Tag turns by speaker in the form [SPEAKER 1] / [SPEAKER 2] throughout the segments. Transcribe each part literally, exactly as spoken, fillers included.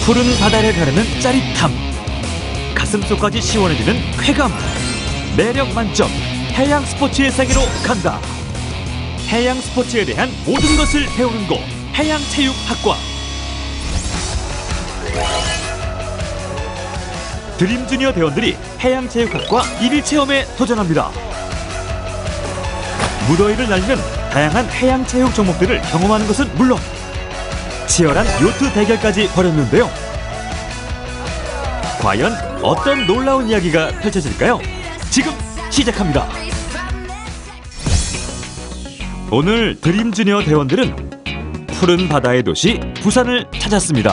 [SPEAKER 1] 푸른 바다를 가르는 짜릿함, 가슴속까지 시원해지는 쾌감, 매력 만점 해양 스포츠의 세계로 간다. 해양 스포츠에 대한 모든 것을 배우는 곳, 해양체육학과. 드림주니어 대원들이 해양체육학과 일일 체험에 도전합니다. 무더위를 날리는 다양한 해양체육 종목들을 경험하는 것은 물론 치열한 요트 대결까지 벌였는데요. 과연 어떤 놀라운 이야기가 펼쳐질까요? 지금 시작합니다. 오늘 드림주니어 대원들은 푸른 바다의 도시 부산을 찾았습니다.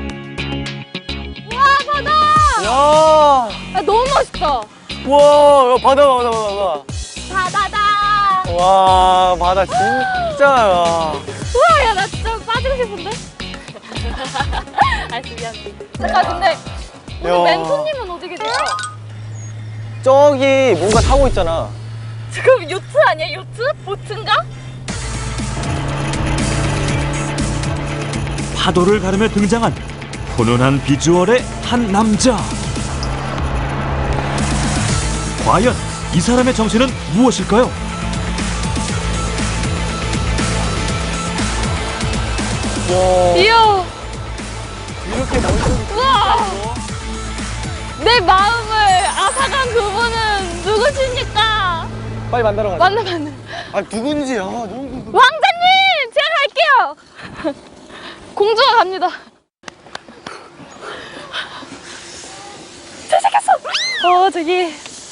[SPEAKER 2] 와, 바다!
[SPEAKER 3] 야,
[SPEAKER 2] 야, 너무 멋있다.
[SPEAKER 3] 와, 바다, 바다, 바다.
[SPEAKER 2] 바다다.
[SPEAKER 3] 와, 바다 진짜야.
[SPEAKER 2] 우와, 야, 나 진짜 빠지고 싶은데? 알았어, 미안해. 잠깐, 근데 오늘
[SPEAKER 3] 야.
[SPEAKER 2] 멘토님은 어디 계세요?
[SPEAKER 3] 저기 뭔가 타고 있잖아.
[SPEAKER 2] 지금 요트 아니야? 요트? 보트인가?
[SPEAKER 1] 파도를 가르며 등장한 훈훈한 비주얼의 한 남자. 과연 이 사람의 정체는 무엇일까요?
[SPEAKER 3] 와,
[SPEAKER 2] 이야,
[SPEAKER 3] 이렇게 멋있는.
[SPEAKER 2] 우와! 내 마음을 앗아간 그분은 누구십니까?
[SPEAKER 3] 빨리 만나러 가자.
[SPEAKER 2] 만나, 만나.
[SPEAKER 3] 아, 누군지, 아, 너무.
[SPEAKER 2] 왕자님! 제가 갈게요! 공주가 갑니다. 잘생겼어! 어, 저기.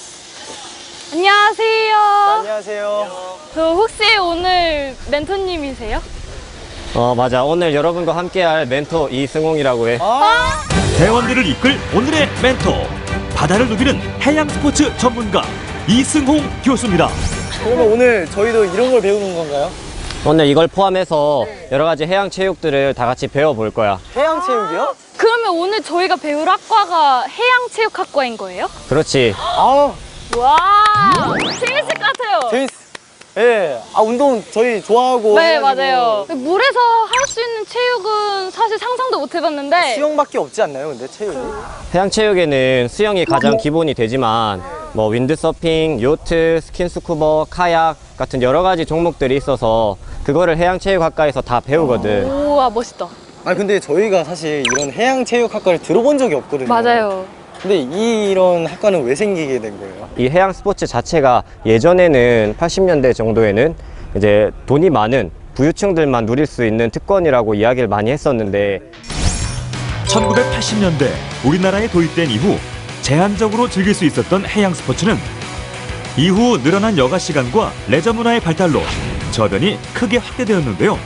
[SPEAKER 2] 안녕하세요.
[SPEAKER 3] 안녕하세요.
[SPEAKER 2] 저 혹시 오늘 멘토님이세요?
[SPEAKER 4] 어 맞아, 오늘 여러분과 함께할 멘토 이승홍이라고 해.
[SPEAKER 3] 아,
[SPEAKER 1] 대원들을 이끌 오늘의 멘토, 바다를 누비는 해양 스포츠 전문가 이승홍 교수입니다.
[SPEAKER 3] 그러면 오늘 저희도 이런 걸 배우는 건가요?
[SPEAKER 4] 오늘 이걸 포함해서 여러 가지 해양 체육들을 다 같이 배워볼 거야.
[SPEAKER 3] 해양 체육이요?
[SPEAKER 2] 그러면 오늘 저희가 배울 학과가 해양체육학과인 거예요?
[SPEAKER 4] 그렇지.
[SPEAKER 3] 아,
[SPEAKER 2] 와, 재밌을 것 같아요.
[SPEAKER 3] 재밌어. 예, 아, 운동 저희 좋아하고.
[SPEAKER 2] 네,
[SPEAKER 3] 해가지고
[SPEAKER 2] 맞아요. 물에서 할 수 있는 체육은 사실 상상도 못 해봤는데.
[SPEAKER 3] 수영밖에 없지 않나요, 근데 체육이?
[SPEAKER 4] 해양 체육에는 수영이 가장 기본이 되지만 뭐 윈드서핑, 요트, 스킨스쿠버, 카약 같은 여러 가지 종목들이 있어서 그거를 해양 체육학과에서 다 배우거든.
[SPEAKER 2] 우와, 멋있다.
[SPEAKER 3] 아, 근데 저희가 사실 이런 해양 체육학과를 들어본 적이 없거든요.
[SPEAKER 2] 맞아요.
[SPEAKER 3] 근데 이, 이런 학과는 왜 생기게 된 거예요?
[SPEAKER 4] 이 해양 스포츠 자체가 예전에는 팔십 년대 정도에는 이제 돈이 많은 부유층들만 누릴 수 있는 특권이라고 이야기를 많이 했었는데
[SPEAKER 1] 천구백팔십 년대 우리나라에 도입된 이후 제한적으로 즐길 수 있었던 해양 스포츠는 이후 늘어난 여가 시간과 레저 문화의 발달로 저변이 크게 확대되었는데요.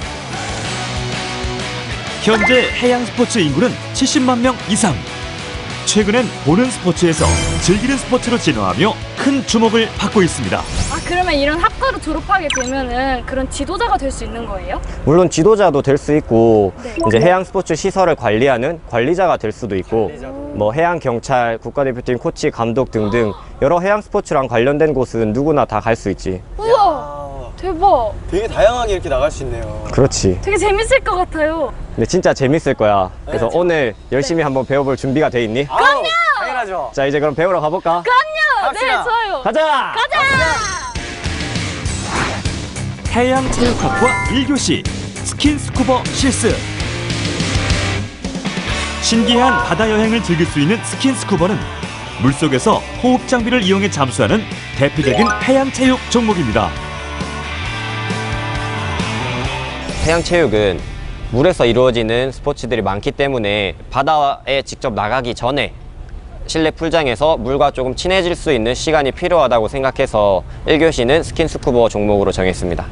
[SPEAKER 1] 현재 해양 스포츠 인구는 칠십만 명 이상. 최근엔 보는 스포츠에서 즐기는 스포츠로 진화하며 큰 주목을 받고 있습니다.
[SPEAKER 2] 아, 그러면 이런 학과를 졸업하게 되면은 그런 지도자가 될 수 있는 거예요?
[SPEAKER 4] 물론 지도자도 될 수 있고
[SPEAKER 2] 네.
[SPEAKER 4] 이제 해양 스포츠 시설을 관리하는 관리자가 될 수도 있고 뭐 해양 경찰, 국가대표팀 코치, 감독 등등 여러 해양 스포츠랑 관련된 곳은 누구나 다 갈 수 있지.
[SPEAKER 2] 우와, 대박.
[SPEAKER 3] 되게 다양하게 이렇게 나갈 수 있네요.
[SPEAKER 4] 그렇지.
[SPEAKER 2] 되게 재밌을 것 같아요.
[SPEAKER 4] 근데 진짜 재밌을 거야. 그래서
[SPEAKER 3] 네,
[SPEAKER 4] 오늘 열심히 한번 배워볼 준비가 돼 있니?
[SPEAKER 3] 그럼요! 당연하죠.
[SPEAKER 4] 자, 이제 그럼 배우러 가볼까?
[SPEAKER 2] 그럼요. 네,
[SPEAKER 3] 갑시다.
[SPEAKER 2] 좋아요.
[SPEAKER 4] 가자!
[SPEAKER 2] 가자.
[SPEAKER 1] 해양체육학과 일 교시 스킨스쿠버 실습. 신기한 바다 여행을 즐길 수 있는 스킨스쿠버는 물속에서 호흡 장비를 이용해 잠수하는 대표적인 해양체육 종목입니다.
[SPEAKER 4] 해양 체육은 물에서 이루어지는 스포츠들이 많기 때문에 바다에 직접 나가기 전에 실내 풀장에서 물과 조금 친해질 수 있는 시간이 필요하다고 생각해서 일 교시는 스킨스쿠버 종목으로 정했습니다.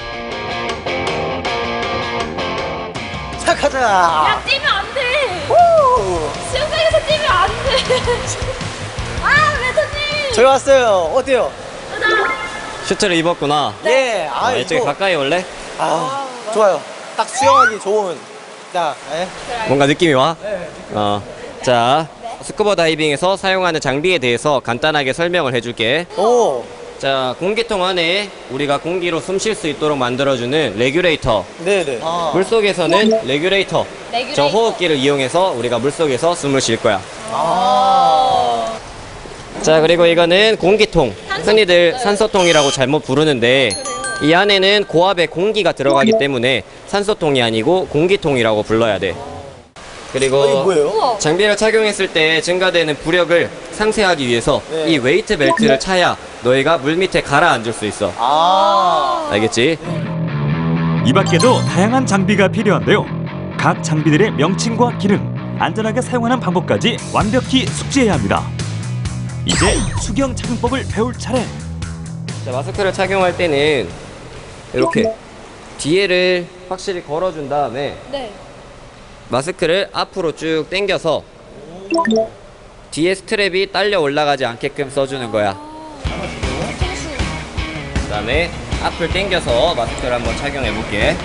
[SPEAKER 3] 자, 가자!
[SPEAKER 2] 야, 뛰면 안 돼. 수영장에서 뛰면 안 돼. 아, 멘토님.
[SPEAKER 3] 저희 왔어요. 어때요?
[SPEAKER 4] 슈트를 입었구나.
[SPEAKER 3] 예, 아,
[SPEAKER 4] 어, 이쪽에
[SPEAKER 3] 이거-
[SPEAKER 4] 가까이 올래?
[SPEAKER 3] 아, 좋아요. 딱 수영하기 좋은. 자, 예.
[SPEAKER 4] 뭔가 느낌이 와? 어. 자, 스쿠버 다이빙에서 사용하는 장비에 대해서 간단하게 설명을 해줄게.
[SPEAKER 3] 오,
[SPEAKER 4] 자, 공기통 안에 우리가 공기로 숨 쉴 수 있도록 만들어주는 레귤레이터.
[SPEAKER 3] 네네.
[SPEAKER 4] 물속에서는 레귤레이터.
[SPEAKER 2] 레귤레이터.
[SPEAKER 4] 저 호흡기를 이용해서 우리가 물속에서 숨을 쉴 거야.
[SPEAKER 3] 아.
[SPEAKER 4] 자, 그리고 이거는 공기통.
[SPEAKER 2] 산소.
[SPEAKER 4] 흔히들
[SPEAKER 2] 네.
[SPEAKER 4] 산소통이라고 잘못 부르는데 이 안에는 고압의 공기가 들어가기 때문에 산소통이 아니고 공기통이라고 불러야 돼. 그리고
[SPEAKER 3] 어, 이거 뭐예요?
[SPEAKER 2] 우와.
[SPEAKER 4] 장비를 착용했을 때 증가되는 부력을 상쇄하기 위해서
[SPEAKER 3] 네.
[SPEAKER 4] 이 웨이트 벨트를 차야 너희가 물 밑에 가라앉을 수 있어.
[SPEAKER 3] 아.
[SPEAKER 4] 알겠지?
[SPEAKER 1] 이 밖에도 다양한 장비가 필요한데요. 각 장비들의 명칭과 기능, 안전하게 사용하는 방법까지 완벽히 숙지해야 합니다. 이제 수경 착용법을 배울 차례.
[SPEAKER 4] 자, 마스크를 착용할 때는 이렇게 뒤에를 확실히 걸어준 다음에
[SPEAKER 2] 네.
[SPEAKER 4] 마스크를 앞으로 쭉 당겨서 뒤에 스트랩이 딸려 올라가지 않게끔 써주는 거야. 그 다음에 앞을 당겨서 마스크를 한번 착용해 볼게.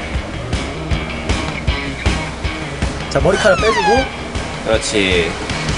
[SPEAKER 3] 자, 머리카락 빼주고.
[SPEAKER 4] 그렇지.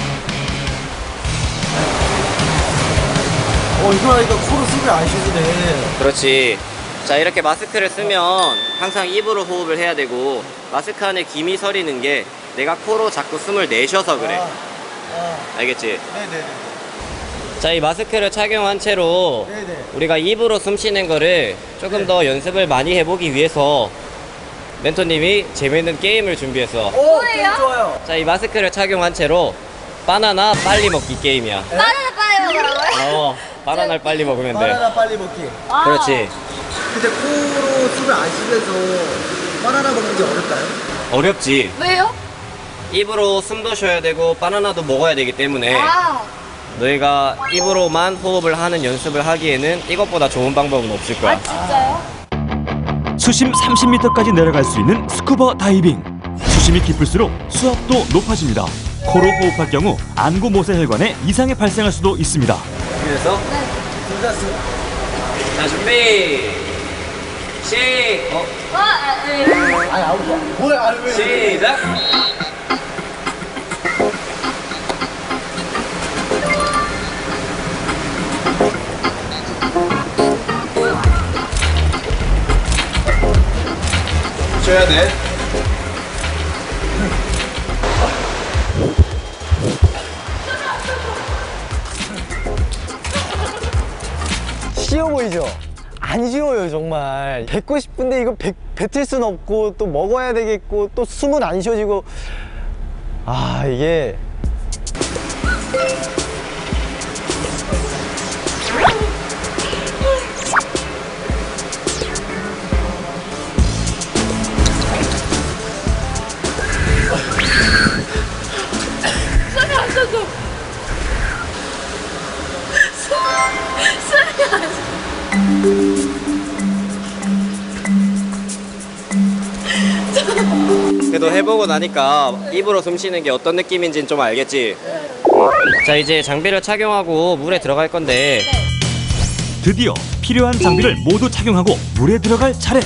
[SPEAKER 3] 어, 이거 하니까 코로 숨이 안 쉬지네.
[SPEAKER 4] 그렇지. 자, 이렇게 마스크를 쓰면 항상 입으로 호흡을 해야 되고 마스크 안에 김이 서리는 게 내가 코로 자꾸 숨을 내쉬어서 그래.
[SPEAKER 3] 아, 아.
[SPEAKER 4] 알겠지?
[SPEAKER 3] 네네네.
[SPEAKER 4] 자, 이 마스크를 착용한 채로
[SPEAKER 3] 네네.
[SPEAKER 4] 우리가 입으로 숨 쉬는 거를 조금
[SPEAKER 3] 네.
[SPEAKER 4] 더 연습을 많이 해보기 위해서 멘토님이 재밌는 게임을 준비했어.
[SPEAKER 3] 오,
[SPEAKER 2] 뭐예요?
[SPEAKER 3] 게임 좋아요.
[SPEAKER 4] 자, 이 마스크를 착용한 채로 바나나 빨리 먹기 게임이야.
[SPEAKER 2] 바나나 빨리 먹으라고요?
[SPEAKER 4] 어, 바나나를 빨리 먹으면 돼.
[SPEAKER 3] 바나나 빨리 먹기.
[SPEAKER 2] 아.
[SPEAKER 4] 그렇지.
[SPEAKER 3] 근데 코로 숨을 안 쉬면서 바나나 먹는 게 어떨까요?
[SPEAKER 4] 어렵지.
[SPEAKER 2] 왜요?
[SPEAKER 4] 입으로 숨도 쉬어야 되고 바나나도 먹어야 되기 때문에
[SPEAKER 2] 아.
[SPEAKER 4] 너희가 입으로만 호흡을 하는 연습을 하기에는 이것보다 좋은 방법은 없을 거야.
[SPEAKER 2] 아 진짜요?
[SPEAKER 1] 수심 삼십 미터까지 내려갈 수 있는 스쿠버 다이빙. 수심이 깊을수록 수압도 높아집니다. 코로 호흡할 경우 안구 모세 혈관에 이상이 발생할 수도 있습니다.
[SPEAKER 4] 그래서
[SPEAKER 2] 네.
[SPEAKER 3] 둘다쓰
[SPEAKER 4] 자, 준비 시 어,
[SPEAKER 2] 아, 아, 네.
[SPEAKER 3] 아니, 아웃이야. 뭐야, 아니, 왜.
[SPEAKER 4] 시작. 쉬어야 돼.
[SPEAKER 3] 쉬워 보이죠? 안 쉬워요, 정말. 뱉고 싶은데 이거 뱉, 뱉을 순 없고 또 먹어야 되겠고 또 숨은 안 쉬어지고. 아, 이게.
[SPEAKER 2] 숨이 안 쉬어져. 숨- 숨이 안 쉬어.
[SPEAKER 4] 그래도 해보고 나니까 입으로 숨 쉬는 게 어떤 느낌인지는 좀 알겠지? 응. 자, 이제 장비를 착용하고 물에 들어갈 건데
[SPEAKER 1] 드디어 필요한 장비를 모두 착용하고 물에 들어갈 차례.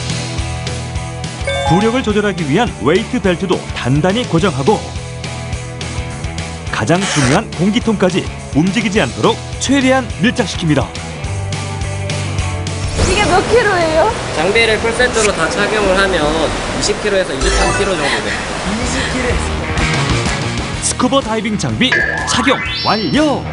[SPEAKER 1] 부력을 조절하기 위한 웨이트 벨트도 단단히 고정하고 가장 중요한 공기통까지 움직이지 않도록 최대한 밀착시킵니다.
[SPEAKER 2] 이게 몇 킬로예요?
[SPEAKER 4] 장비를 풀세트로 다 착용을 하면 이십 킬로그램에서 이십삼 킬로그램 정도 돼.
[SPEAKER 3] 이십 킬로그램.
[SPEAKER 1] 스쿠버 다이빙 장비 착용 완료!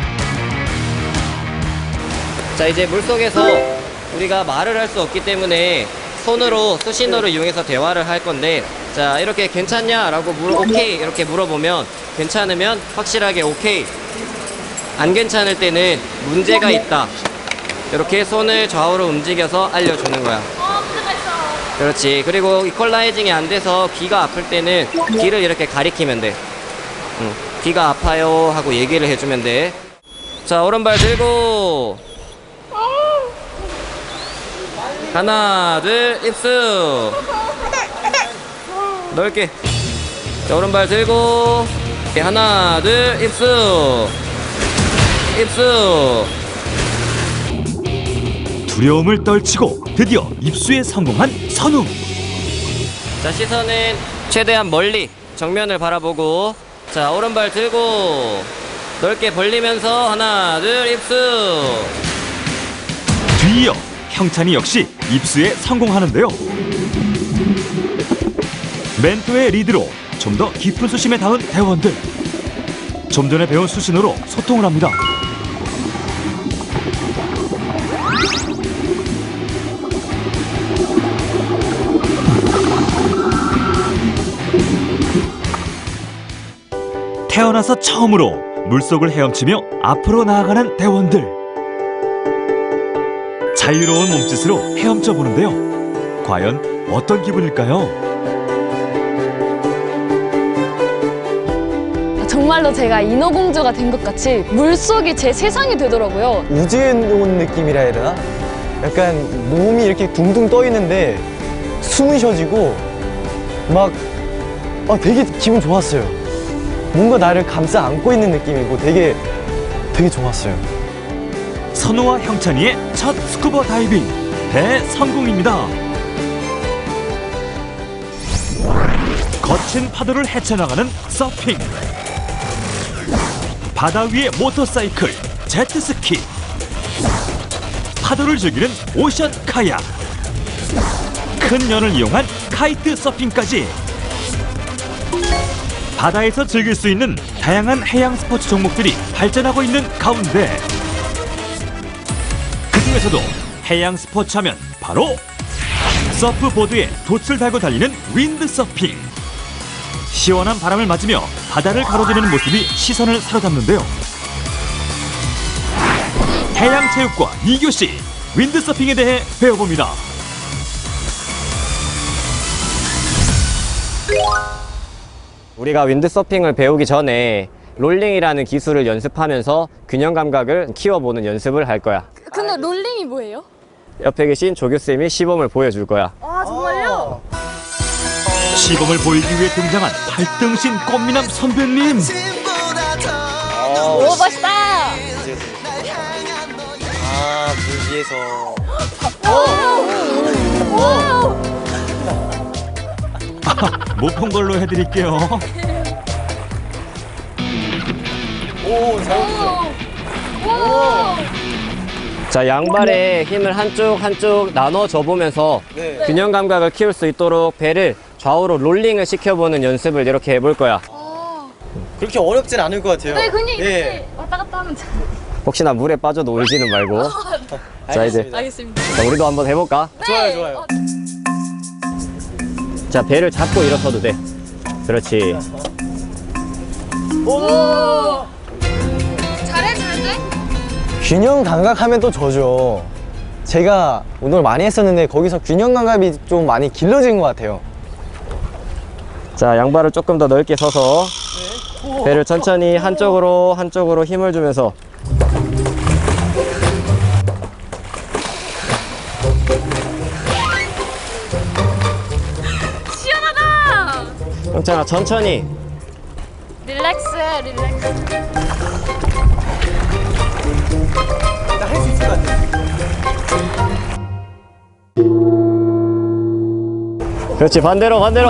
[SPEAKER 4] 자, 이제 물속에서 우리가 말을 할 수 없기 때문에 손으로 수신호를 이용해서 대화를 할 건데, 자, 이렇게 괜찮냐? 라고 물어, 오케이 이렇게 물어보면 괜찮으면 확실하게 오케이, 안 괜찮을 때는 문제가 있다, 이렇게 손을 좌우로 움직여서 알려주는 거야.
[SPEAKER 2] 어, 문제가 있어.
[SPEAKER 4] 그렇지. 그리고 이퀄라이징이 안 돼서 귀가 아플 때는 귀를 이렇게 가리키면 돼. 응. 귀가 아파요 하고 얘기를 해주면 돼. 자, 오른발 들고 하나 둘 입수 넓게. 자, 오른발 들고 하나 둘 입수 입수.
[SPEAKER 1] 두려움을 떨치고 드디어 입수에 성공한 선웅.
[SPEAKER 4] 자, 시선은 최대한 멀리 정면을 바라보고, 자, 오른발 들고 넓게 벌리면서 하나 둘 입수
[SPEAKER 1] 이어 형찬이 역시 입수에 성공하는데요. 멘토의 리드로 좀 더 깊은 수심에 닿은 대원들. 좀 전에 배운 수신호로 소통을 합니다. 태어나서 처음으로 물속을 헤엄치며 앞으로 나아가는 대원들. 자유로운 몸짓으로 헤엄쳐 보는데요. 과연 어떤 기분일까요?
[SPEAKER 2] 정말로 제가 인어공주가 된 것 같이 물속이 제 세상이 되더라고요.
[SPEAKER 3] 우주에 온 느낌이라 해야 되나? 약간 몸이 이렇게 둥둥 떠 있는데 숨이 쉬어지고 막 아, 되게 기분 좋았어요. 뭔가 나를 감싸 안고 있는 느낌이고 되게 되게 좋았어요.
[SPEAKER 1] 선우와 형찬이의 첫 스쿠버 다이빙 대성공입니다. 거친 파도를 헤쳐나가는 서핑, 바다 위의 모터사이클, 제트스키, 파도를 즐기는 오션 카약, 큰 연을 이용한 카이트 서핑까지 바다에서 즐길 수 있는 다양한 해양 스포츠 종목들이 발전하고 있는 가운데 그 중에서도 해양 스포츠 하면 바로 서프보드에 돛을 달고 달리는 윈드서핑. 시원한 바람을 맞으며 바다를 가로지르는 모습이 시선을 사로잡는데요. 해양체육과 이 교시 윈드서핑에 대해 배워봅니다.
[SPEAKER 4] 우리가 윈드서핑을 배우기 전에 롤링이라는 기술을 연습하면서 균형 감각을 키워보는 연습을 할 거야.
[SPEAKER 2] 근데 롤링이 뭐예요?
[SPEAKER 4] 옆에 계신 조교쌤이 시범을 보여줄 거야.
[SPEAKER 2] 아, 정말요?
[SPEAKER 1] 시범을 보이기 위해 등장한 발등신 꽃미남 선배님.
[SPEAKER 2] 오, 멋있다!
[SPEAKER 3] 아, 물 위에서.
[SPEAKER 1] 못 본 걸로 해드릴게요.
[SPEAKER 3] 오, 잘 웃어.
[SPEAKER 4] 자, 양발에 힘을 한쪽 한쪽 나눠줘 보면서
[SPEAKER 3] 네.
[SPEAKER 4] 균형 감각을 키울 수 있도록 배를 좌우로 롤링을 시켜보는 연습을 이렇게 해볼 거야.
[SPEAKER 3] 그렇게 어렵진 않을 것 같아요.
[SPEAKER 2] 네, 그냥 이렇게
[SPEAKER 3] 예.
[SPEAKER 2] 왔다 갔다 하면 돼.
[SPEAKER 4] 혹시나 물에 빠져도 울지는 말고. 자, 이제
[SPEAKER 3] 알겠습니다.
[SPEAKER 2] 알겠습니다.
[SPEAKER 4] 자, 우리도 한번 해볼까?
[SPEAKER 3] 좋아요, 좋아요.
[SPEAKER 2] 어,
[SPEAKER 4] 자, 배를 잡고 일어서도 돼. 그렇지.
[SPEAKER 2] 오! 잘해주는데?
[SPEAKER 3] 균형 감각 하면 또 저죠. 제가 운동을 많이 했었는데 거기서 균형 감각이 좀 많이 길러진 것 같아요.
[SPEAKER 4] 자, 양발을 조금 더 넓게 서서 배를 천천히 한쪽으로 한쪽으로 힘을 주면서
[SPEAKER 2] 시원하다!
[SPEAKER 4] 형찬아, 천천히.
[SPEAKER 2] 릴렉스해, 릴렉스.
[SPEAKER 3] 나 할 수 있을 것 같아.
[SPEAKER 4] 그렇지, 반대로 반대로.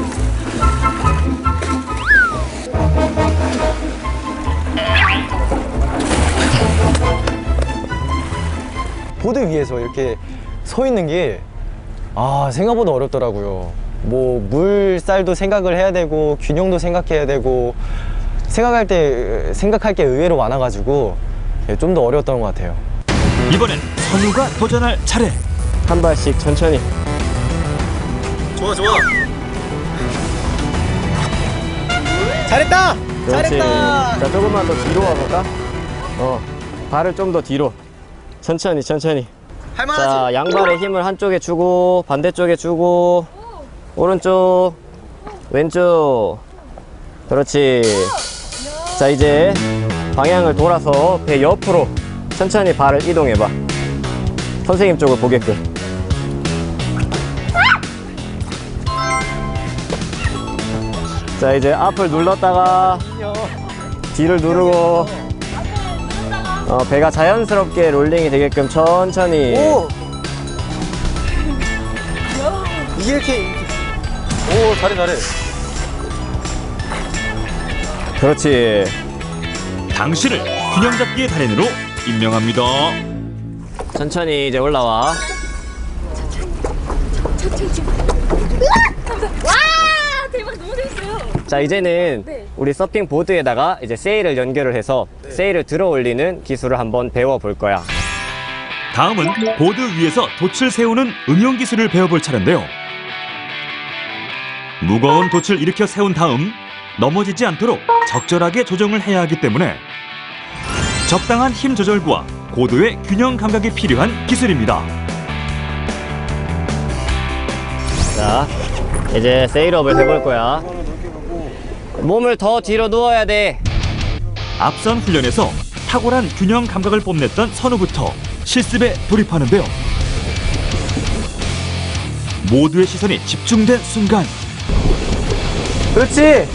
[SPEAKER 3] 보드 위에서 이렇게 서 있는 게 아, 생각보다 어렵더라고요. 뭐 물살도 생각을 해야 되고 균형도 생각해야 되고 생각할 때 생각할 게 의외로 많아가지고 좀 더 어려웠던 것 같아요.
[SPEAKER 1] 이번엔 선우가 도전할 차례.
[SPEAKER 4] 한 발씩 천천히.
[SPEAKER 3] 좋아, 좋아. 잘했다.
[SPEAKER 4] 그렇지.
[SPEAKER 3] 잘했다.
[SPEAKER 4] 자, 조금만 더 뒤로 와볼까? 어, 발을 좀 더 뒤로. 천천히 천천히.
[SPEAKER 3] 할만하지.
[SPEAKER 4] 자, 양발의 힘을 한쪽에 주고 반대쪽에 주고 오른쪽 왼쪽. 그렇지. 자, 이제 방향을 돌아서 배 옆으로 천천히 발을 이동해봐. 선생님 쪽을 보게끔. 자, 이제 앞을 눌렀다가 뒤를 누르고 어, 배가 자연스럽게 롤링이 되게끔 천천히.
[SPEAKER 3] 오. 이게 이렇게. 오, 잘해, 잘해.
[SPEAKER 1] 그렇지. 당신을 균형 잡기의 달인으로 임명합니다.
[SPEAKER 4] 천천히 이제 올라와.
[SPEAKER 2] 와 대박 너무 재밌어요.
[SPEAKER 4] 자, 이제는
[SPEAKER 2] 네.
[SPEAKER 4] 우리 서핑 보드에다가 이제 세일을 연결을 해서 세일을 들어 올리는 기술을 한번 배워 볼 거야.
[SPEAKER 1] 다음은 보드 위에서 돛을 세우는 응용 기술을 배워볼 차례인데요. 무거운 돛을 일으켜 세운 다음 넘어지지 않도록 적절하게 조정을 해야 하기 때문에 적당한 힘 조절과 고도의 균형 감각이 필요한 기술입니다.
[SPEAKER 4] 자, 이제 세일업을 해볼 거야. 몸을 더 뒤로 누워야 돼.
[SPEAKER 1] 앞선 훈련에서 탁월한 균형 감각을 뽐냈던 선우부터 실습에 돌입하는데요. 모두의 시선이 집중된 순간
[SPEAKER 3] 그렇지.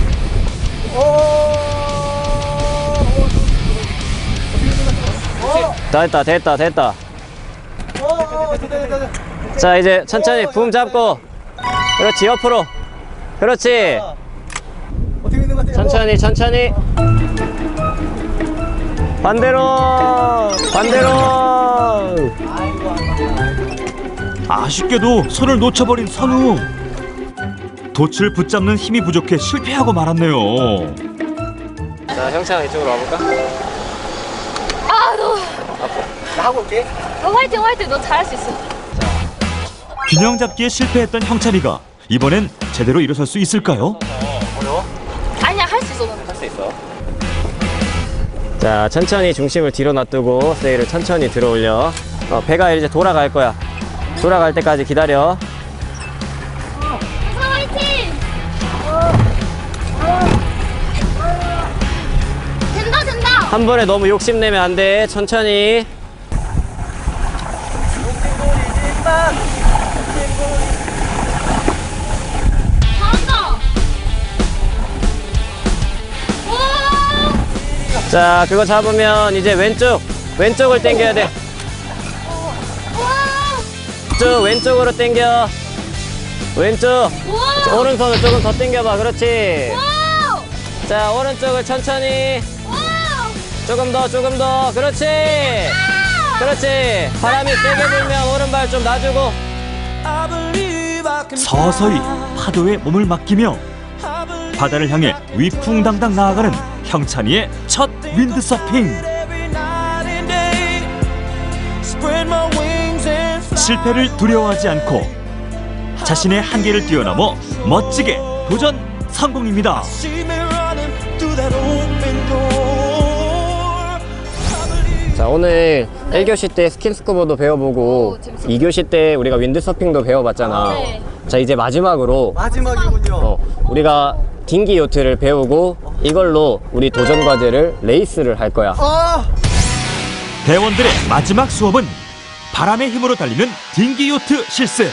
[SPEAKER 4] 다 됐다, 됐다, 됐다. 자, 이제 천천히 붐 잡고. 그렇지, 옆으로. 그렇지.
[SPEAKER 3] 어떻게 있는 것 같아요?
[SPEAKER 4] 천천히, 천천히. 반대로, 반대로.
[SPEAKER 1] 아쉽게도 손을 놓쳐버린 선우. 돛을 붙잡는 힘이 부족해 실패하고 말았네요.
[SPEAKER 4] 자, 형찬아 이쪽으로 와볼까?
[SPEAKER 2] 아 너,
[SPEAKER 3] 나 하고 올게.
[SPEAKER 2] 너 화이팅 화이팅 너 잘할 수 있어.
[SPEAKER 1] 균형 잡기에 실패했던 형찬이가 이번엔 제대로 일어설 수 있을까요?
[SPEAKER 2] 아니야 할 수 있어 너는.
[SPEAKER 4] 할 수 있어. 자, 천천히 중심을 뒤로 놔두고 세일을 천천히 들어 올려. 어, 배가 이제 돌아갈 거야. 돌아갈 때까지 기다려.
[SPEAKER 2] 사 화이팅. 된다 된다.
[SPEAKER 4] 한 번에 너무 욕심내면 안 돼. 천천히.
[SPEAKER 2] 잘한다. 오.
[SPEAKER 4] 자, 그거 잡으면 이제 왼쪽, 왼쪽을 당겨야 돼.
[SPEAKER 2] 와.
[SPEAKER 4] 쭉 왼쪽으로 당겨. 왼쪽.
[SPEAKER 2] 와.
[SPEAKER 4] 오른손을 조금 더 당겨봐. 그렇지.
[SPEAKER 2] 와.
[SPEAKER 4] 자, 오른쪽을 천천히.
[SPEAKER 2] 와.
[SPEAKER 4] 조금 더, 조금 더. 그렇지. 그렇지. 바람이 세게 불면 오른발 좀 놔주고.
[SPEAKER 1] 서서히 파도에 몸을 맡기며 바다를 향해 위풍당당 나아가는 형찬이의 첫 윈드서핑. 실패를 두려워하지 않고 자신의 한계를 뛰어넘어 멋지게 도전 성공입니다.
[SPEAKER 4] 자, 오늘 일 교시 때 스킨스쿠버도 배워보고
[SPEAKER 2] 오, 재밌었다.
[SPEAKER 4] 이 교시 때 우리가 윈드서핑도 배워봤잖아.
[SPEAKER 2] 네.
[SPEAKER 4] 자, 이제 마지막으로
[SPEAKER 3] 마지막이군요.
[SPEAKER 4] 어, 우리가 딩기 요트를 배우고 이걸로 우리 도전 과제를 레이스를 할 거야.
[SPEAKER 3] 아,
[SPEAKER 1] 대원들의 마지막 수업은 바람의 힘으로 달리는 딩기 요트 실습.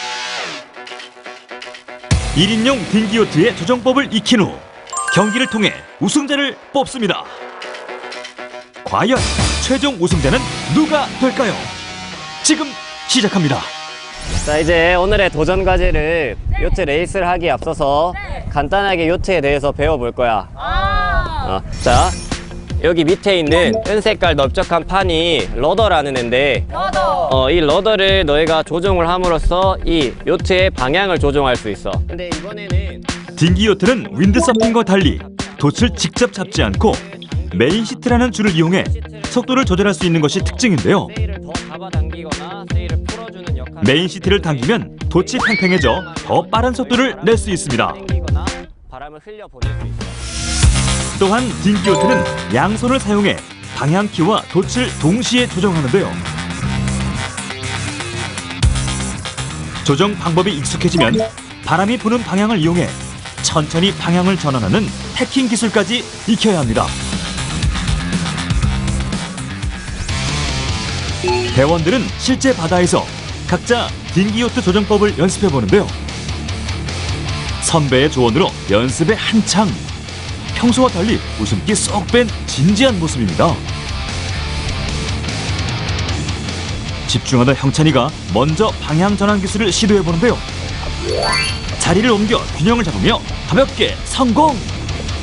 [SPEAKER 1] 일 인용 딩기 요트의 조정법을 익힌 후 경기를 통해 우승자를 뽑습니다. 과연 최종 우승자는 누가 될까요? 지금 시작합니다.
[SPEAKER 4] 자, 이제 오늘의 도전 과제를 요트 레이스를 하기에 앞서서
[SPEAKER 2] 네.
[SPEAKER 4] 간단하게 요트에 대해서 배워볼 거야.
[SPEAKER 2] 아.
[SPEAKER 4] 어, 자, 여기 밑에 있는 은색깔 넓적한 판이 러더라는 앤데
[SPEAKER 2] 너도.
[SPEAKER 4] 어, 이 러더를 너희가 조종을 함으로써 이 요트의 방향을 조종할 수 있어. 근데 이번에는
[SPEAKER 1] 딩기 요트는 윈드서핑과 달리 돛을 직접 잡지 않고 메인 시트라는 줄을 이용해 속도를 조절할 수 있는 것이 특징인데요.
[SPEAKER 4] 세일을 더 잡아당기거나 세일을 풀어주는 역할.
[SPEAKER 1] 메인 시트를 당기면 돛이 팽팽해져 더 빠른 속도를 낼 수 있습니다.
[SPEAKER 4] 당기거나 바람을 흘려 보낼 수 있어.
[SPEAKER 1] 또한 딩기 요트는 양손을 사용해 방향키와 돛을 동시에 조정하는데요. 조정 방법이 익숙해지면 바람이 부는 방향을 이용해 천천히 방향을 전환하는 태킹 기술까지 익혀야 합니다. 대원들은 실제 바다에서 각자 딩기 요트 조정법을 연습해 보는데요. 선배의 조언으로 연습에 한창. 평소와 달리 웃음기 쏙 뺀 진지한 모습입니다. 집중하던 형찬이가 먼저 방향 전환 기술을 시도해 보는데요. 자리를 옮겨 균형을 잡으며 가볍게 성공!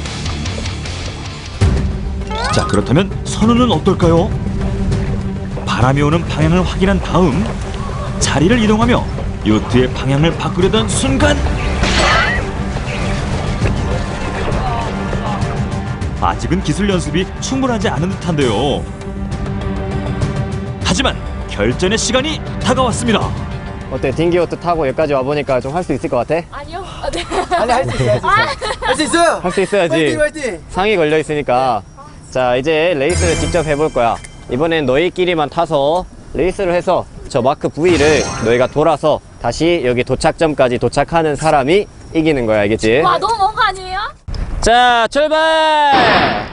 [SPEAKER 1] 자, 그렇다면 선우는 어떨까요? 바람이 오는 방향을 확인한 다음 자리를 이동하며 요트의 방향을 바꾸려던 순간 아직은 기술 연습이 충분하지 않은 듯한데요. 하지만 결전의 시간이 다가왔습니다.
[SPEAKER 4] 어때? 딩기요트 타고 여기까지 와보니까 좀 할 수 있을 것 같아?
[SPEAKER 2] 아니요. 아, 네.
[SPEAKER 3] 아니 할 수 있어요. 할 수 있어요.
[SPEAKER 4] 할 수 있어야지.
[SPEAKER 3] 화이팅 화이팅.
[SPEAKER 4] 상이 걸려 있으니까. 자, 이제 레이스를 직접 해볼 거야. 이번엔 너희끼리만 타서 레이스를 해서 저 마크 V를 너희가 돌아서 다시 여기 도착점까지 도착하는 사람이 이기는 거야, 알겠지?
[SPEAKER 2] 와, 너무 먼 거 아니에요?
[SPEAKER 4] 자, 출발!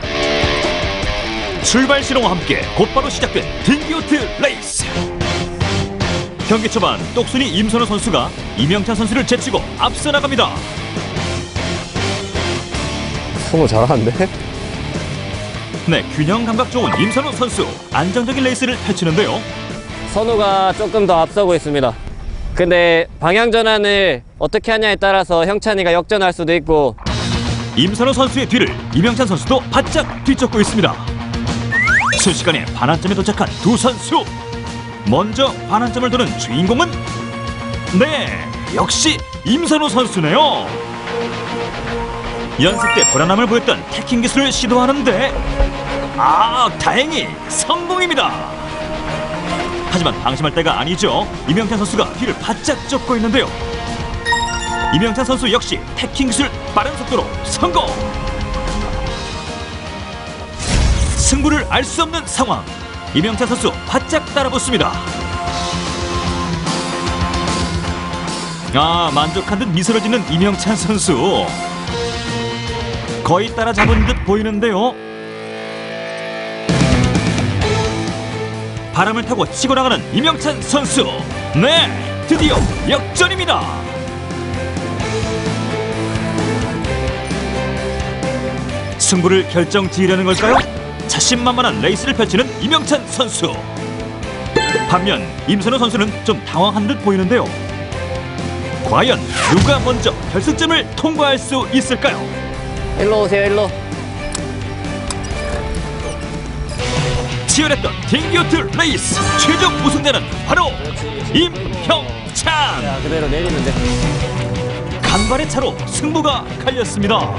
[SPEAKER 1] 출발 신호와 함께 곧바로 시작된 딩기요트 레이스. 경기 초반 똑순이 임선호 선수가 이명찬 선수를 제치고 앞서 나갑니다.
[SPEAKER 4] 성우 잘하는데?
[SPEAKER 1] 네, 균형 감각 좋은 임선호 선수 안정적인 레이스를 펼치는데요.
[SPEAKER 4] 선우가 조금 더 앞서고 있습니다. 근데 방향 전환을 어떻게 하냐에 따라서 형찬이가 역전할 수도 있고.
[SPEAKER 1] 임선호 선수의 뒤를 이명찬 선수도 바짝 뒤쫓고 있습니다. 순식간에 반환점에 도착한 두 선수. 먼저 반환점을 도는 주인공은 네, 역시 임선호 선수네요. 연습 때 불안함을 보였던 태킹 기술을 시도하는데 아, 다행히 성공입니다. 하지만 방심할 때가 아니죠. 이명찬 선수가 뒤를 바짝 쫓고 있는데요. 이명찬 선수 역시 태킹 기술 빠른 속도로 성공. 승부를 알 수 없는 상황. 이명찬 선수 바짝 따라붙습니다. 아, 만족한 듯 미소를 짓는 이명찬 선수. 거의 따라잡은 듯 보이는데요. 바람을 타고 치고 나가는 이명찬 선수. 네, 드디어 역전입니다. 승부를 결정지으려는 걸까요? 자신만만한 레이스를 펼치는 이명찬 선수. 반면 임선호 선수는 좀 당황한 듯 보이는데요. 과연 누가 먼저 결승점을 통과할 수 있을까요?
[SPEAKER 4] 일로 오세요, 일로.
[SPEAKER 1] 치열했던 딩기요트 레이스 최종 우승자는 바로 임형찬.
[SPEAKER 4] 자, 그대로 내리면 돼.
[SPEAKER 1] 간발의 차로 승부가 갈렸습니다.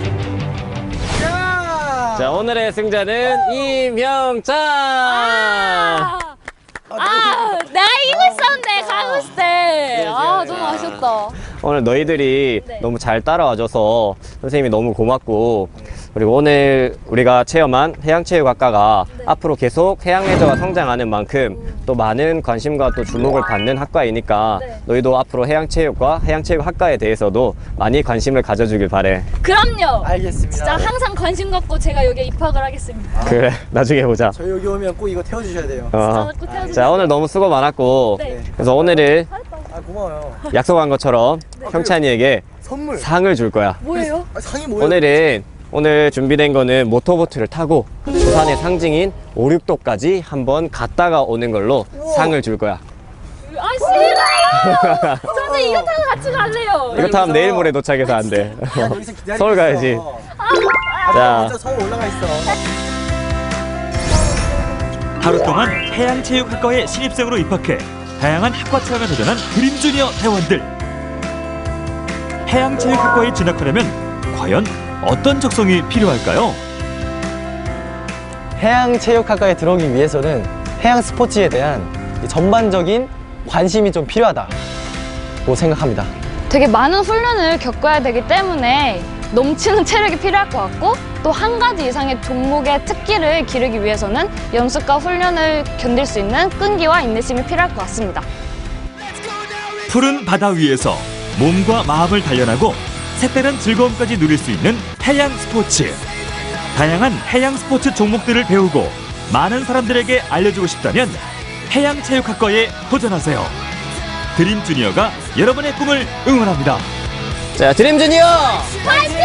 [SPEAKER 4] 자, 오늘의 승자는 임형찬.
[SPEAKER 2] 아, 아, 내가 이기고 있었는데 가고 있을 때. 아, 너무 아쉽다.
[SPEAKER 4] 오늘 너희들이
[SPEAKER 2] 네.
[SPEAKER 4] 너무 잘 따라와줘서 선생님이 너무 고맙고, 그리고 오늘 우리가 체험한 해양체육학과가
[SPEAKER 2] 네.
[SPEAKER 4] 앞으로 계속 해양레저가 성장하는 만큼 또 많은 관심과 또 주목을 받는 학과이니까
[SPEAKER 2] 네.
[SPEAKER 4] 너희도 앞으로 해양체육과 해양체육학과에 대해서도 많이 관심을 가져주길 바래.
[SPEAKER 2] 그럼요.
[SPEAKER 3] 알겠습니다.
[SPEAKER 2] 진짜 항상 관심 갖고 제가 여기에 입학을 하겠습니다.
[SPEAKER 4] 그래, 나중에 보자.
[SPEAKER 3] 저희 여기 오면 꼭 이거 태워주셔야 돼요.
[SPEAKER 4] 어.
[SPEAKER 2] 진짜 꼭 태워주세요.
[SPEAKER 4] 자, 오늘 너무 수고 많았고,
[SPEAKER 2] 네.
[SPEAKER 4] 그래서 오늘은
[SPEAKER 3] 아 고마워요.
[SPEAKER 4] 약속한 것처럼 형찬이에게
[SPEAKER 3] 선물.
[SPEAKER 4] 상을 줄 거야.
[SPEAKER 2] 뭐예요?
[SPEAKER 3] 아, 상이 뭐예요?
[SPEAKER 4] 오늘은 오늘 준비된 거는 모터보트를 타고 부산의 상징인 오륙도까지 한번 갔다가 오는 걸로 상을 줄 거야.
[SPEAKER 2] 아, 싫어요. 저는 이거 타고 같이 갈래요.
[SPEAKER 4] 이거 타면 내일 모레 도착해서 안 돼.
[SPEAKER 3] 야, 여기서 기다리고
[SPEAKER 4] 서울 가야지.
[SPEAKER 3] 있어.
[SPEAKER 2] 아,
[SPEAKER 4] 자,
[SPEAKER 3] 먼저 서울 올라가 있어.
[SPEAKER 1] 하루 동안 해양체육학과에 신입생으로 입학해 다양한 학과 체험에 도전한 드림주니어 대원들. 해양체육학과에 진학하려면 과연 어떤 적성이 필요할까요?
[SPEAKER 3] 해양체육학과에 들어오기 위해서는 해양 스포츠에 대한 이 전반적인 관심이 좀 필요하다고 생각합니다.
[SPEAKER 2] 되게 많은 훈련을 겪어야 되기 때문에 넘치는 체력이 필요할 것 같고, 또 한 가지 이상의 종목의 특기를 기르기 위해서는 연습과 훈련을 견딜 수 있는 끈기와 인내심이 필요할 것 같습니다.
[SPEAKER 1] 푸른 바다 위에서 몸과 마음을 단련하고 색다른 즐거움까지 누릴 수 있는 해양 스포츠. 다양한 해양 스포츠 종목들을 배우고 많은 사람들에게 알려주고 싶다면 해양체육학과에 도전하세요. 드림주니어가 여러분의 꿈을 응원합니다.
[SPEAKER 4] 자, 드림주니어!
[SPEAKER 2] 파이팅!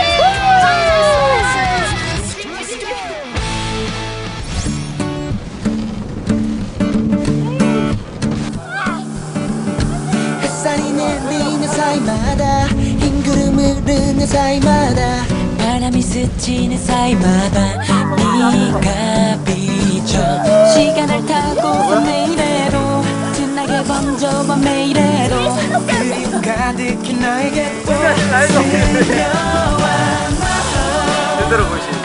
[SPEAKER 5] 햇살이 내리는 사이마다 흰 구름 흐르는 사이마다 바람이 스치는 사이마다 네가 비춰 시간을 타고 내일에도 진하게 번져봐 매일에도 그리움 가득히 나에게 또 스며와
[SPEAKER 3] 제대로 보시